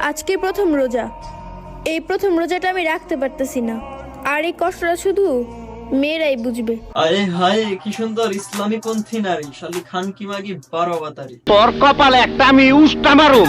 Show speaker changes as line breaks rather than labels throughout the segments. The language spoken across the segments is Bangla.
আজকে প্রথম রোজা। এই প্রথম রোজাটা আমি রাখতে পারতেছি না, আর এই কষ্টটা শুধু মেয়েরাই বুঝবে।
আরে হায়, কি সুন্দর ইসলামী পন্থী নারী, শালি খান কি মাগি 12 অবতারি।
তোর কপালে একটা আমি উষ্টা মারুম।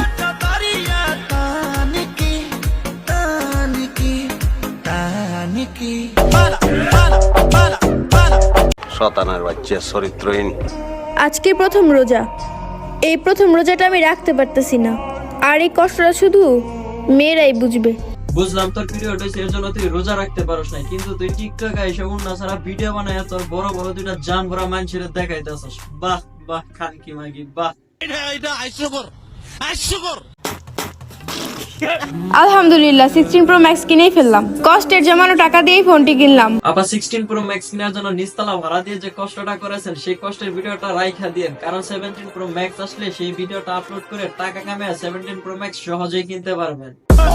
শতানার বাচ্চা চরিত্রহীন।
আজকে প্রথম রোজা। এই প্রথম রোজাটা আমি রাখতে পারতেছি না, আর এই কষ্টটা শুধু মেয়েরাই বুঝবে।
বুঝলাম তোর পিরিয়ড হয়েছে, এর জন্য তুই রোজা রাখতে পারস না, কিন্তু তুই টিকটকে এসে উন্না সারা ভিডিও বানায় তোর বড় বড় দুইটা জান ভরা মানুষের দেখাইতেছস। বাহ বাহ খান কি মাগি বাহ।
আলহামদুলিল্লাহ 16 প্রো ম্যাক্স কিনেই ফেললাম। কষ্টের জমানো টাকা দিয়েই ফোনটি কিনলাম।
আপা 16 প্রো ম্যাক্স কেনার জন্য নিচতলা ভাড়া দিয়ে যে কষ্টটা করেছেন, সেই কষ্টের ভিডিওটা রাইখা দিয়েন, কারণ 17 প্রো ম্যাক্স আসলে সেই ভিডিওটা আপলোড করে টাকা কামিয়ে 17 প্রো ম্যাক্স সহজেই কিনতে পারবেন।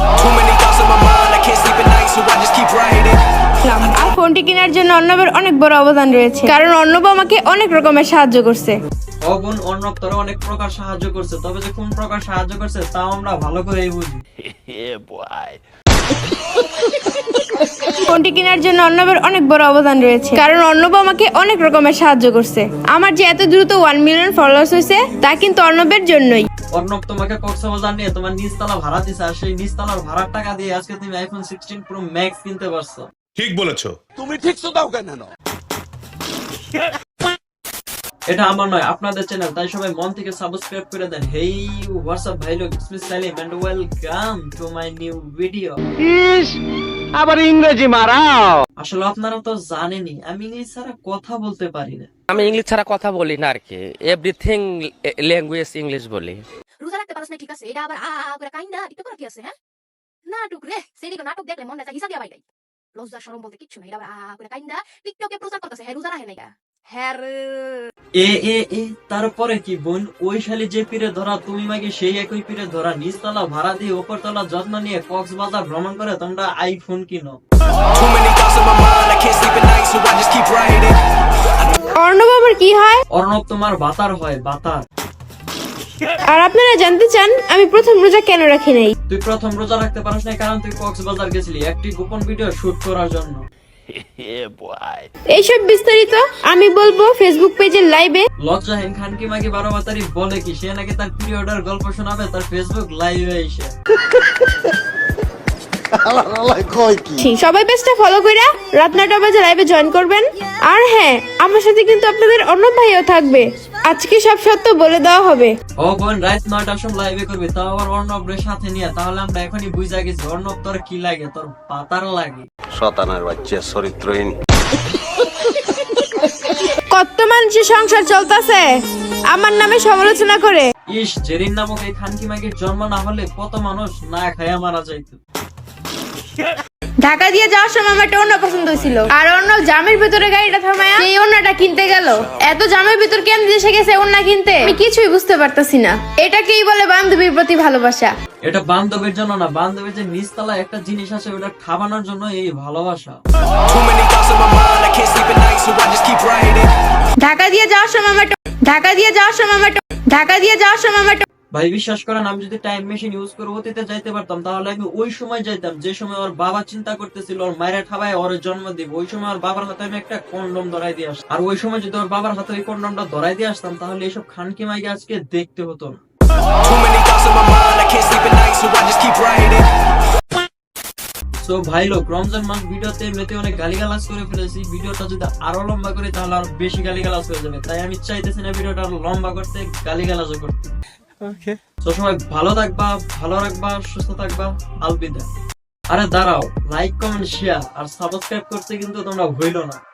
আর ফোনটি কেনার জন্য অর্ণবের অনেক বড় অবদান রয়েছে, কারণ অর্ণব আমাকে অনেক রকমের সাহায্য করছে।
অগুন অর্ণব তোরা অনেক প্রকার সাহায্য করছে, তবে যে কোন প্রকার সাহায্য করছে তাও আমরা ভালো করেই বুঝি।
ফোনটি কেনার জন্য অর্ণবের অনেক বড় অবদান রয়েছে, কারণ অর্ণব আমাকে অনেক রকমের সাহায্য করছে। আমার যে এত দ্রুত 1 মিলিয়ন ফলোয়ার্স হয়েছে তা কিন্তু অর্ণবের জন্যই।
অর্ণব তোমাকে কক্সবাজার নিয়ে তোমার নিচতলা ভাড়া দিছে, আর সেই নিচতলার ভাড়ার টাকা দিয়ে আজকে তুমি আইফোন 16 প্রো ম্যাক্স কিনতে পারছো।
ঠিক বলেছো।
তুমি ঠিক তো দাও কেন?
এটা আমার নয়, আপনাদের চ্যানেল, তাই সবাই মন থেকে সাবস্ক্রাইব করে দেন। হেই হোয়াটসঅ্যাপ ভাই লোক, it's me Salim and welcome to my new video.
ইস, আবার ইংরেজি মারাও।
আসলে আপনারা তো জানেনই আমি ইংলিশ ছাড়া কথা বলতে পারি না।
আমি ইংলিশ ছাড়া কথা বলি না আর কি, এভরিথিং ল্যাঙ্গুয়েজ ইংলিশ বলি।
রোজা রাখতে পারছ না, ঠিক আছে, এটা আবার করে কাইন্দা টিকটক করা কি আছে? হ্যাঁ, নাটক রে, সেদিকে নাটক দেখলে মনে যায় হিসাব দিয়া বাইরে। লজ্জা শরম বলতে কিচ্ছু নাই, এটা আবার করে কাইন্দা টিকটকে প্রচার করতেছে হ্যাঁ রোজা রাখে নাই। হ্যাঁ
এ এ এ তারপরে কি বোন, ওই শালি যে পীরে ধরা তুমি মাকে সেই একই পীরে ধরা, নিচতলা ভাড়া দিয়ে উপরতলা যত্ন নিয়ে কক্সবাজার ভ্রমণ করে তোমরা আইফোন কিনো।
অর্ণব আমার কি হয়?
অর্ণব তোমার বাতার হয়, বাতার।
আর আপনারা জানতে চান আমি প্রথম রোজা কেন রাখি নাই?
তুই প্রথম রোজা রাখতে পারিস না কারণ তুই কক্সবাজার গেছিলি একটি গোপন ভিডিও শুট করার জন্য।
এইসব বিস্তারিত আমি বলবো ফেসবুক পেজের লাইভে।
লজ্জাহীন খান কি মাগি 12 বাতারি বলে কি সে নাকি তার পিরিয়ডের গল্প শোনাবে তার ফেসবুক লাইভে এসে।
সবাই পেজটা ফলো কইরা রাত 9টা বাজে লাইভে জয়েন করবেন। আর হ্যাঁ, আমার সাথে কিন্তু আপনাদের অর্ণব ভাইও থাকবে। আজকে সব সত্য বলে দেওয়া হবে।
ও বোন, রাত 9টার সময় লাইভে করবি, তাও আবার অর্ণবের সাথে নিয়ে, তাহলে আমরা এখনই বুঝা গেছি অর্ণব তোর কি লাগে, তোর পাতার লাগে।
শতানার বাচ্চা চরিত্রহীন।
কত মানুষের সংসার চলতেছে আমার নামে সমালোচনা করে।
ইস, জেরিন নামক এই খানকি মাগির জন্ম না হলে কত মানুষ না খায়া মারা যাইতো।
ঢাকা দিয়ে যাওয়ার সময় আমার একটা ওড়না পছন্দ হয়েছিল, আর অন্য জামের ভিতরে গাড়িটা থামায়া সেই ওড়নাটা কিনতে গেল। এত জামের ভিতর কেন দেশে গেছে ওড়না কিনতে আমি কিছুই বুঝতে পারতাছি না। এটাকেই বলে বান্ধবীর প্রতি ভালোবাসা।
এটা বান্ধবীর জন্য না, বান্ধবীর যে নিচতলা একটা জিনিস আছে ওটা খাবানোর জন্য এই ভালোবাসা।
ঢাকা দিয়ে যাওয়ার সময় আমার
ভাই বিশ্বাস করেন, আমি যদি টাইম মেশিন ইউজ করে অতীতে যাইতে পারতাম তাহলে আমি ওই সময় যাইতাম যে সময় ওর বাবা চিন্তা করতেছিল ওর মায়ের ঠাবায় ওর জন্ম দিব। ওই সময় ওর বাবার হাতে আমি একটা কন্ডম ধরাই দিয়ে আসতাম, আর ওই সময় যদি ওর বাবার হাতে ওই কন্ডমটা ধরাই দিয়ে আসতাম তাহলে এইসব খানকি মাইকে আজকে দেখতে হতো না। তো ভাই লোক, রমজান মাস ভিডিওতে এমনিতে অনেক গালিগালাজ করে ফেলেছি, ভিডিওটা যদি আরো লম্বা করি তাহলে আরো বেশি গালিগালাজ হয়ে যাবে, তাই আমি চাইতেছি না ভিডিওটা আরো লম্বা করতে, গালিগালাজও করতে। তো সবাই ভালো থাকবা, ভালো রাখবা, সুস্থ থাকবা, আলবিদা। আরে দাঁড়াও, লাইক কমেন্ট শেয়ার আর সাবস্ক্রাইব করতে কিন্তু তোমরা ভুলো না।